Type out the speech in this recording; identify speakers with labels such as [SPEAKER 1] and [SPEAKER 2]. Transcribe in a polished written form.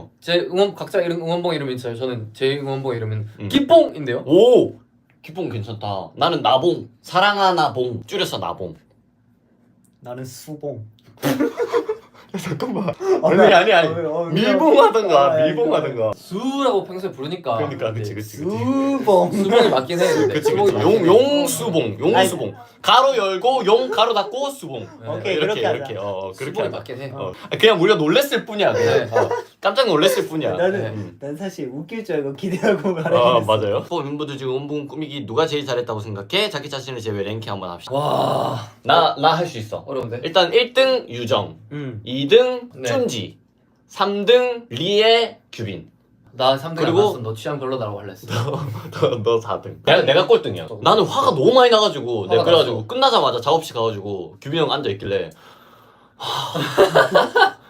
[SPEAKER 1] 제 응원 각자 이름 응원봉 이름이 있어요. 저는 제 응원봉 이름은 기뽕인데요.
[SPEAKER 2] 오! 기뽕 괜찮다. 나는 나봉. 사랑하나 봉. 줄여서 나봉.
[SPEAKER 3] 나는 수봉.
[SPEAKER 2] 잠깐만. 아니. 밀봉하던가,
[SPEAKER 3] 아,
[SPEAKER 2] 밀봉하던가.
[SPEAKER 1] 수라고 평소에 부르니까.
[SPEAKER 2] 그러니까, 그치.
[SPEAKER 3] 수봉.
[SPEAKER 1] 수봉이 맞긴 해. 근데.
[SPEAKER 2] 그치.
[SPEAKER 1] 수봉이 맞긴 해.
[SPEAKER 2] 용수봉. 용수봉. 가로 열고, 용 가로 닫고, 수봉.
[SPEAKER 3] 오케이,
[SPEAKER 2] 이렇게,
[SPEAKER 3] 그렇게 하자.
[SPEAKER 2] 이렇게. 그렇게
[SPEAKER 1] 수봉이
[SPEAKER 2] 하자.
[SPEAKER 1] 맞긴 해.
[SPEAKER 2] 그냥 우리가 놀랬을 뿐이야. 그냥.
[SPEAKER 1] 네.
[SPEAKER 2] 깜짝 놀랬을 뿐이야.
[SPEAKER 3] 난 사실 웃길 줄 알고 기대하고 말했어.
[SPEAKER 2] 맞아요. 멤버들 중에 원봉 꾸미기 누가 제일 잘했다고 생각해? 자기 자신을 제외 랭킹 한번 합시다.
[SPEAKER 1] 와
[SPEAKER 2] 나 할 수 있어.
[SPEAKER 1] 어려운데.
[SPEAKER 2] 일단 1등 유정, 2등
[SPEAKER 1] 네.
[SPEAKER 2] 쭌지, 3등 리에, 규빈.
[SPEAKER 1] 나 3등
[SPEAKER 2] 그리고-
[SPEAKER 1] 안 났어. 너 취향 별로다라고 할랬어.
[SPEAKER 2] 너 4등. 내가 꼴등이야. 나는 화가 너무 많이 나가지고 내가
[SPEAKER 1] 화가
[SPEAKER 2] 그래가지고
[SPEAKER 1] 났어.
[SPEAKER 2] 끝나자마자 작업실 가가지고 규빈 형 앉아 있길래